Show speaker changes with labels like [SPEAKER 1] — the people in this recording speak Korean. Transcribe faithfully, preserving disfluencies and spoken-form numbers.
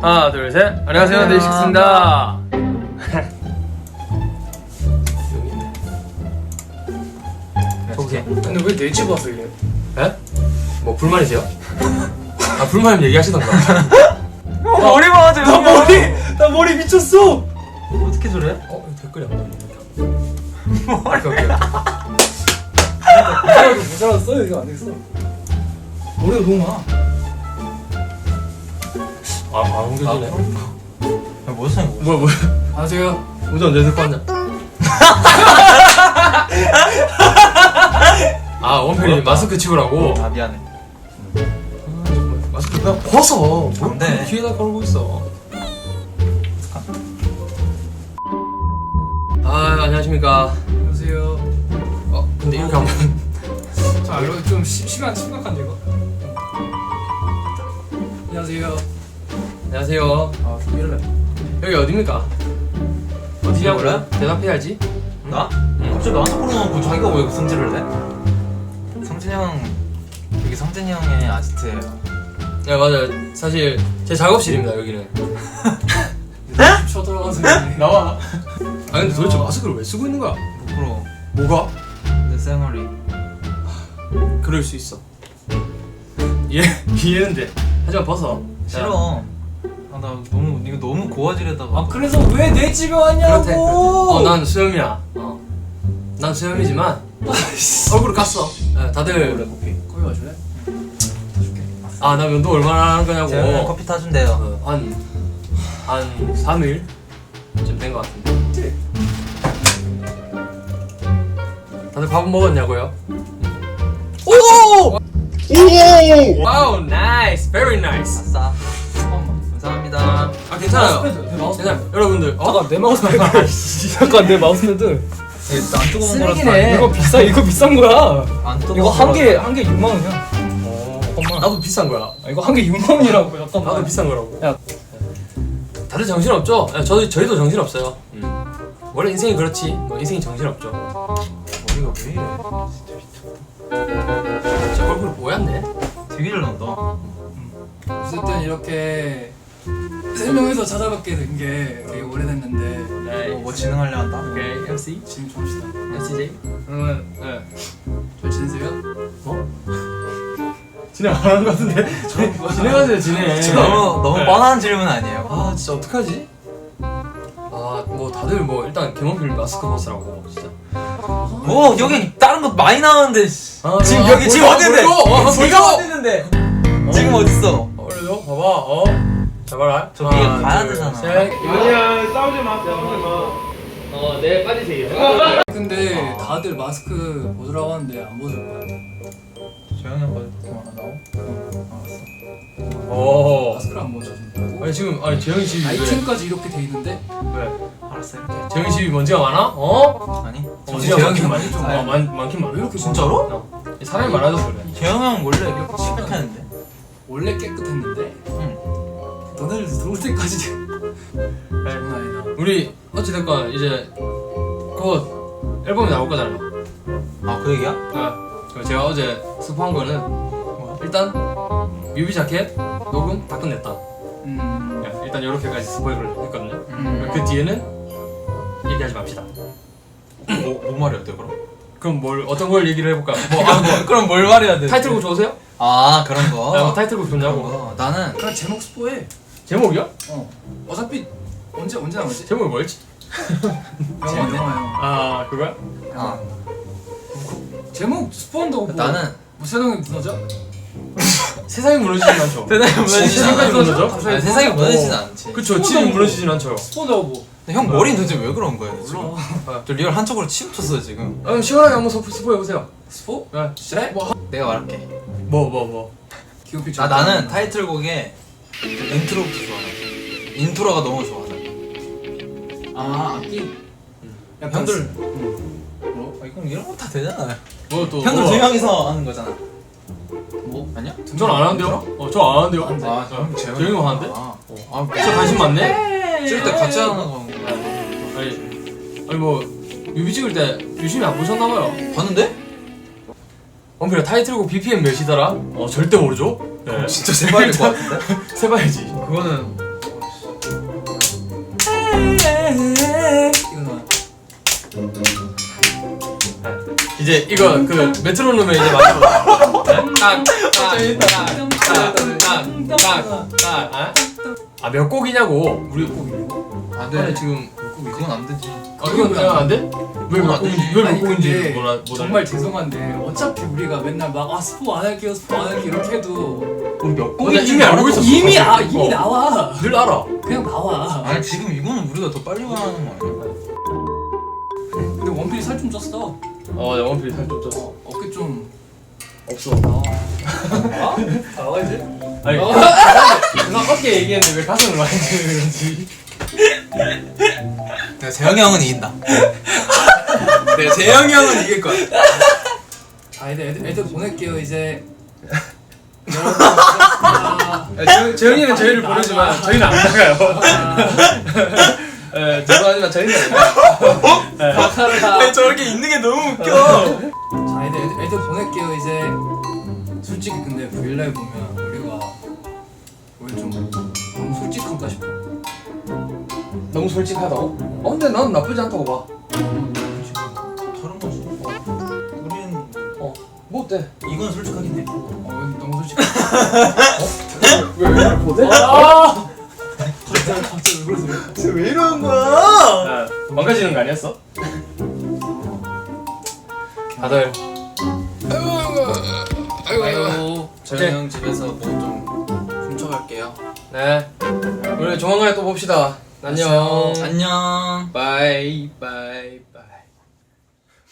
[SPEAKER 1] 하나 둘 셋. 안녕하세요, 데이식스입니다. 오케이.
[SPEAKER 2] 근데 왜 내 집 와서 이래?
[SPEAKER 1] 에? 뭐 불만이세요? 아 불만이면 얘기하시던가.
[SPEAKER 2] 어, 머리 맞아. 나 머리 나 머리 미쳤어.
[SPEAKER 1] 어떻게 저래? 어 댓글이 안 나오네. 오케이 오케이.
[SPEAKER 2] 이거 못 살았어. 이거 안 되겠어. 머리가 너무 많아.
[SPEAKER 1] 아안 옮겨지네.
[SPEAKER 3] 야, 뭐 사는 거야?
[SPEAKER 1] 뭐야 뭐야?
[SPEAKER 2] 안녕하세요.
[SPEAKER 1] 우선 내 듣고 앉아. 아 원필이 마스크 치우라고.
[SPEAKER 3] 아 미안해.
[SPEAKER 1] 아, 정말. 마스크 그냥 벗어.
[SPEAKER 3] 안 돼.
[SPEAKER 1] 뭘 귀에다 걸고 있어. 아 안녕하십니까.
[SPEAKER 2] 안녕하세요.
[SPEAKER 1] 어 근데 이렇게 하면
[SPEAKER 2] 자, 이거 좀 시, 시간 심각한데 이거. 안녕하세요.
[SPEAKER 1] 안녕하세요.
[SPEAKER 2] 아, 좀 이럴래.
[SPEAKER 1] 여기 어디입니까? 어디냐고?
[SPEAKER 3] 그래?
[SPEAKER 1] 대답해야지.
[SPEAKER 3] 나? 갑자기 나한테 물어놓고 자기가 왜 성질을 내? 성진이 형 여기 성진이 형의 아지트예요.
[SPEAKER 1] 야 맞아. 사실 제 작업실입니다 여기는.
[SPEAKER 2] 집 쳐들어가서 이러네.
[SPEAKER 1] 나와. 아 근데 도대체 마스크를 왜 쓰고 있는 거야?
[SPEAKER 3] 부끄러워.
[SPEAKER 1] 뭐가?
[SPEAKER 3] 내 쌩얼이.
[SPEAKER 1] 그럴 수 있어. 이해 이해는 돼. 하지만 벗어.
[SPEAKER 3] 싫어. 아 나 너무 이거 너무 고화질에다가.
[SPEAKER 2] 아, 그래서 왜 내 집에 왔냐고.
[SPEAKER 1] 그렇대. 어난 수염이야. 어. 난 수염이지만 얼굴을 깠어. 네, 다들
[SPEAKER 3] 커피.
[SPEAKER 2] 거기 와줄래?
[SPEAKER 1] 아 나 면도 얼마나 하는 거냐고.
[SPEAKER 3] 재현이 형 커피 타준대요.
[SPEAKER 1] 어, 한, 한 삼 일쯤 된 것 같은데. 다들 밥은 먹었냐고요? 오! 오! 와우, 나이스, very nice.
[SPEAKER 3] 아싸. 감사합니다.
[SPEAKER 1] 아 괜찮아요.
[SPEAKER 2] 마우스패드, 내 마우스패드.
[SPEAKER 1] 괜찮아요. 여러분들. 어?
[SPEAKER 2] 잠깐 내 마우스패드. 잠깐 내 마우스패드.
[SPEAKER 3] 이거 안 뜨거운 거라서.
[SPEAKER 1] 쓰레기네.
[SPEAKER 2] 이거 비싸. 이거 비싼 거야.
[SPEAKER 3] 안 뜨거운
[SPEAKER 2] 이거 한 개
[SPEAKER 3] 거라서.
[SPEAKER 2] 한 개 육만 원이야.
[SPEAKER 1] 어,
[SPEAKER 2] 잠깐만.
[SPEAKER 1] 나도 비싼 거야.
[SPEAKER 2] 아, 이거 한 개 육만 원이라고. 잠깐만.
[SPEAKER 1] 나도 비싼 거라고.
[SPEAKER 2] 야.
[SPEAKER 1] 다들 정신 없죠? 야, 저도 저희도 정신 없어요. 음. 원래 인생이 그렇지. 뭐 인생이 정신 없죠.
[SPEAKER 3] 머리가 왜 이래?
[SPEAKER 1] 제 얼굴 뽀얗네.
[SPEAKER 3] 되게 잘 나온다.
[SPEAKER 2] 어쨌든 이렇게 세 명이서 찾아뵙게 된 게 되게 오래됐는데
[SPEAKER 1] 네.
[SPEAKER 3] 뭐, 뭐 진행하려 한다?
[SPEAKER 1] 오케이, 엠씨,
[SPEAKER 2] 지금 좀 합시다.
[SPEAKER 1] 엠씨제이. 그러면 네.
[SPEAKER 2] 잘 지내세요?
[SPEAKER 1] 어? 진행 안 하는 것 같은데? 진행하세요, 진행.
[SPEAKER 3] 너무 너무
[SPEAKER 1] 네.
[SPEAKER 3] 뻔한 질문 아니에요?
[SPEAKER 1] 아, 진짜 어떡하지? 아, 뭐 다들 뭐 일단 개몬필 마스크 벗으라고 진짜.
[SPEAKER 3] 뭐 여기 다른 거 많이 나오는데 씨.
[SPEAKER 1] 아,
[SPEAKER 3] 지금
[SPEAKER 1] 아,
[SPEAKER 3] 여기 지금
[SPEAKER 1] 보여줘,
[SPEAKER 3] 어딘데?
[SPEAKER 1] 보여줘. 어,
[SPEAKER 3] 지금
[SPEAKER 1] 보여줘.
[SPEAKER 3] 어딘데? 지금 어딨어?
[SPEAKER 1] 어, 올려줘, 봐봐, 어. 잘 봐라.
[SPEAKER 3] 저 위에
[SPEAKER 1] 하나,
[SPEAKER 3] 가야
[SPEAKER 1] 둘,
[SPEAKER 3] 되잖아.
[SPEAKER 1] 셋.
[SPEAKER 4] 아니야 싸우지 마 싸우지 마.
[SPEAKER 1] 어, 네 빠지세요.
[SPEAKER 2] 근데 다들 마스크 벗으라고 하는데 안 벗을 거야.
[SPEAKER 3] 조용히 형 거기 하나 나오? 알았어.
[SPEAKER 1] 어.
[SPEAKER 2] 마스크를 안 벗어준다고?
[SPEAKER 1] 아니 지금 아니 재영이 집이 왜?
[SPEAKER 2] 아이템까지 이렇게 돼 있는데?
[SPEAKER 1] 왜?
[SPEAKER 3] 알았어 이렇게.
[SPEAKER 1] 재영이 집이 먼지가 많아? 어?
[SPEAKER 3] 아니?
[SPEAKER 1] 어,
[SPEAKER 3] 재영이
[SPEAKER 1] 많긴
[SPEAKER 3] 형
[SPEAKER 1] 많이 좀 어, 많 많긴 많아.
[SPEAKER 2] 이렇게
[SPEAKER 1] 진짜로? 어. 사람이 많아져서 그래.
[SPEAKER 3] 재영이 형 원래 이렇게 칙칙했는데?
[SPEAKER 2] 원래 깨끗했는데
[SPEAKER 3] 응.
[SPEAKER 2] 너네들 들어올 때까지 장난 아니다.
[SPEAKER 1] 우리 어찌됐건 이제 곧 앨범이 나올 거잖아요.
[SPEAKER 3] 아 그 얘기야?
[SPEAKER 1] 아, 그래서 제가 어제 스포한 거는 뭐 일단 뮤비 자켓 녹음 다 끝냈다.
[SPEAKER 2] 음...
[SPEAKER 1] 네, 일단 이렇게까지 스포를 했거든요.
[SPEAKER 2] 음...
[SPEAKER 1] 그 뒤에는 얘기하지 맙시다.
[SPEAKER 3] 뭐, 뭐 말해야 돼 그럼?
[SPEAKER 1] 그럼 뭘 어떤 걸 얘기를 해볼까? 뭐, 아, 뭐
[SPEAKER 3] 그럼 뭘 말해야 돼?
[SPEAKER 1] 타이틀곡 좋으세요?
[SPEAKER 3] 아 그런
[SPEAKER 1] 아,
[SPEAKER 3] 거?
[SPEAKER 1] 뭐 타이틀곡
[SPEAKER 3] 그런
[SPEAKER 1] 좋냐고.
[SPEAKER 3] 거 나는
[SPEAKER 2] 그냥 제목 스포해.
[SPEAKER 1] 제목이요?
[SPEAKER 2] 어. 어차피 언제 언제 나오지?
[SPEAKER 1] 제목이 뭐였지?
[SPEAKER 2] 영화 영화요.
[SPEAKER 1] 아 그거야?
[SPEAKER 3] 아
[SPEAKER 2] 제목 스포한다고 뭐
[SPEAKER 3] 나는
[SPEAKER 2] 뭐 세상이 무너져?
[SPEAKER 1] 세상이 무너지진 않죠.
[SPEAKER 3] 세상이 무너지진
[SPEAKER 1] 세상까지
[SPEAKER 3] 않아.
[SPEAKER 1] 무너져?
[SPEAKER 3] 아니, 세상이 무너지진 않지.
[SPEAKER 1] 그쵸, 집이 무너지진 않죠.
[SPEAKER 2] 스포한다고 뭐
[SPEAKER 3] 근데 형 머리는 도대체 왜 그런 거예요 지금?
[SPEAKER 2] 몰라.
[SPEAKER 3] 저 리얼 한쪽으로 치우쳤어요 지금.
[SPEAKER 1] 아, 그럼 시원하게 한번 스포, 스포해보세요.
[SPEAKER 2] 스포?
[SPEAKER 1] 네.
[SPEAKER 2] 진짜? 뭐
[SPEAKER 3] 내가 말할게.
[SPEAKER 1] 뭐, 뭐, 뭐.
[SPEAKER 2] 기억이
[SPEAKER 3] 나 나는 타이틀곡에 인트로부터 좋아해. 인트로가 너무 좋아서.
[SPEAKER 2] 아 악기. 약간
[SPEAKER 3] 형들
[SPEAKER 2] 스- 뭐?
[SPEAKER 3] 아, 이건 이런 거 다 되잖아요.
[SPEAKER 1] 뭐 또.
[SPEAKER 3] 형들
[SPEAKER 1] 뭐.
[SPEAKER 3] 두 명이서 하는 거잖아.
[SPEAKER 2] 뭐?
[SPEAKER 3] 아니야?
[SPEAKER 1] 전안 하는데요? 어, 저 안 하는데요?
[SPEAKER 2] 안 돼.
[SPEAKER 3] 아, 형 재영이
[SPEAKER 1] 재영이만 하는데?
[SPEAKER 3] 아,
[SPEAKER 1] 아, 저 관심 많네?
[SPEAKER 3] 찍을 때 같이 하는 거
[SPEAKER 1] 아니, 아니 뭐, 뮤비 찍을 때 유심히 안 보셨나봐요.
[SPEAKER 3] 봤는데?
[SPEAKER 1] 원필아 타이틀곡 비피엠 몇이더라? 어, 절대 모르죠? 네.
[SPEAKER 3] 진짜 세봐야 될 것 같은데?
[SPEAKER 1] 세봐야지.
[SPEAKER 3] 그거는
[SPEAKER 2] 이거 나와.
[SPEAKER 1] 이제 이거 그 메트로놈에 이제 맞춰봐. 딱딱딱딱딱딱딱아 몇 곡이냐고. 우리 몇 곡이냐고?
[SPEAKER 3] 안돼
[SPEAKER 1] 아니 지금
[SPEAKER 3] 그건 안 되지.
[SPEAKER 1] 아 그건 그냥 안 돼? 왜
[SPEAKER 3] 그건
[SPEAKER 1] 몇
[SPEAKER 3] 안 되지.
[SPEAKER 1] 곡인지 왜몇
[SPEAKER 2] 아니,
[SPEAKER 1] 곡인지
[SPEAKER 2] 근데
[SPEAKER 1] 몰라 못
[SPEAKER 2] 정말
[SPEAKER 1] 알아.
[SPEAKER 2] 죄송한데 어차피 우리가 맨날 막 아 스포 안 할게요 스포 안 할게요 이렇게 해도
[SPEAKER 1] 우리 몇
[SPEAKER 3] 나
[SPEAKER 1] 곡인지
[SPEAKER 3] 이미
[SPEAKER 1] 이미 알고
[SPEAKER 3] 알아.
[SPEAKER 1] 있었어.
[SPEAKER 2] 이미
[SPEAKER 1] 사실.
[SPEAKER 2] 아 이미
[SPEAKER 1] 어.
[SPEAKER 2] 나와.
[SPEAKER 1] 늘 알아.
[SPEAKER 2] 그냥 나와.
[SPEAKER 3] 아니 지금 이거는 우리가 더 빨리 말하는 거 아니야?
[SPEAKER 2] 근데 원필이 살 좀 쪘어.
[SPEAKER 1] 어 영원필 살좀 쪘어.
[SPEAKER 2] 어깨 좀
[SPEAKER 1] 없어.
[SPEAKER 2] 나와.
[SPEAKER 1] 나와야지. 아니 나 어깨 얘기했는데 왜 가슴을 많이 드는 건지.
[SPEAKER 3] 내가 재영이 형은 이긴다. 내가 재영이 형은 이길 거야.
[SPEAKER 2] 자 이제 애들, 애들 보낼게요 이제. 여러분 고맙습니다.
[SPEAKER 1] 재영이는 저희를 부르지만 저희는 안 나가요. 예, 죄송하지만 저희는 안 나가요.
[SPEAKER 3] 아니 저렇게 있는 게 너무 웃겨.
[SPEAKER 2] 자 이제 애들, 애들 보낼게요 이제. 솔직히 근데 브이라이브 보면 우리가 우리 좀 너무 솔직한가 싶어.
[SPEAKER 1] 너무 솔직하다고? 어 근데 난 나쁘지 않다고 봐.
[SPEAKER 3] 다른 거지. 우리는
[SPEAKER 1] 뭐 어때?
[SPEAKER 3] 이건 솔직하긴 해.
[SPEAKER 2] 어 너무 솔직해.
[SPEAKER 1] 왜 왜 이렇게 못해?
[SPEAKER 2] 아! 갑자기 갑자기 왜 그러세요?
[SPEAKER 3] 왜 이러는 거야?
[SPEAKER 1] 야, 망가지는 거 아니었어? 다들
[SPEAKER 2] 아유.
[SPEAKER 3] 재영이 형 집에서 뭐 좀 훔쳐갈게요.
[SPEAKER 1] 네 우리 조만간에 또 봅시다. 안녕.
[SPEAKER 3] 안녕.
[SPEAKER 1] 바이 바이.